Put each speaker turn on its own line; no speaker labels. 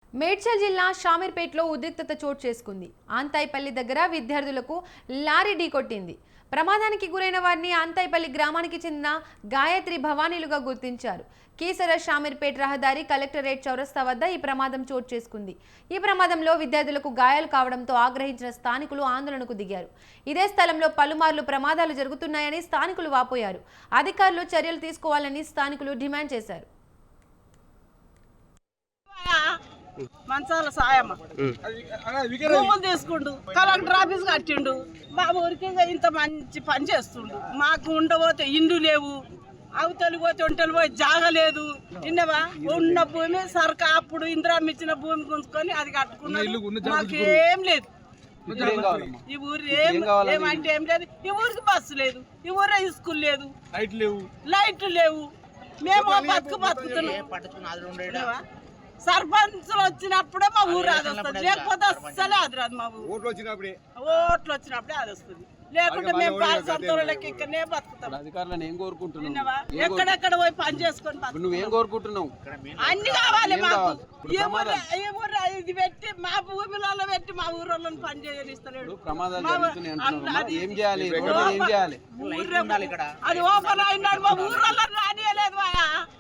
మేడ్చల్ జిల్లా షామీర్పేటలో ఉద్రిక్తత చోటు చేసుకుంది. ఆంతాయిపల్లి దగ్గర విద్యార్థులకు లారీ ఢీకొట్టింది. ప్రమాదానికి గురైన వారిని ఆంతాయిపల్లి గ్రామానికి చెందిన గాయత్రి భవానీలుగా గుర్తించారు. కీసర షామీర్పేట రహదారి కలెక్టరేట్ చౌరస్తా వద్ద ఈ ప్రమాదం చోటు చేసుకుంది. ఈ ప్రమాదంలో విద్యార్థులకు గాయాలు కావడంతో ఆగ్రహించిన స్థానికులు ఆందోళనకు దిగారు. ఇదే స్థలంలో పలుమార్లు ప్రమాదాలు జరుగుతున్నాయని స్థానికులు వాపోయారు. అధికారులు చర్యలు తీసుకోవాలని స్థానికులు డిమాండ్ చేశారు.
మంచాల సాయమ్మ భూములు తీసుకుండు, కలెక్టర్ ఆఫీస్ కట్టిండు. మా ఊరికి ఇంత మంచి పని చేస్తుండు. మాకు ఉండబోతే ఇండ్లు లేవు, అవతలి పోతే ఒంటలు పోయి జాగలేదు. విన్నవా? ఉన్న భూమి సర్కార్ అప్పుడు ఇందిరామ్మ ఇచ్చిన భూమి గుంజుకొని అది కట్టుకున్నాడు. మాకేం లేదు. ఈ ఊరు ఏమంటే ఏం లేదు. ఈ ఊరికి బస్సు లేదు, ఈ ఊరే స్కూల్ లేదు, లైట్లు లేవు. మేము బతుకుతున్నాం. సర్పంచ్లు వచ్చినప్పుడే మా ఊరు అది వస్తుంది, లేకపోతే అస్సలే అది రాదు. మా ఊరు ఓట్లు వచ్చినప్పుడే అది వస్తుంది, లేకుంటే మేము పాలసంతోళ్ళకి ఇక్కడనే బతుకుతాం.
అధికారులను ఏం కోరుకుంటున్నావు?
ఎక్కడెక్కడ పోయి పని చేసుకొని
నువ్వేం కోరుకుంటున్నావు?
అన్ని కావాలి మాకు. ఇది పెట్టి మా భూమిలో పెట్టి మా ఊరోళ్ళని పని చేయనిస్తలేడు.
ప్రమాదాలు జరుగుతున్నాయి అంటున్నావు, ఏం చేయాలి? ఏం చేయాలి?
అది ఓపెన్ అయినాడు, మా ఊరోళ్ళని రానియలేదు.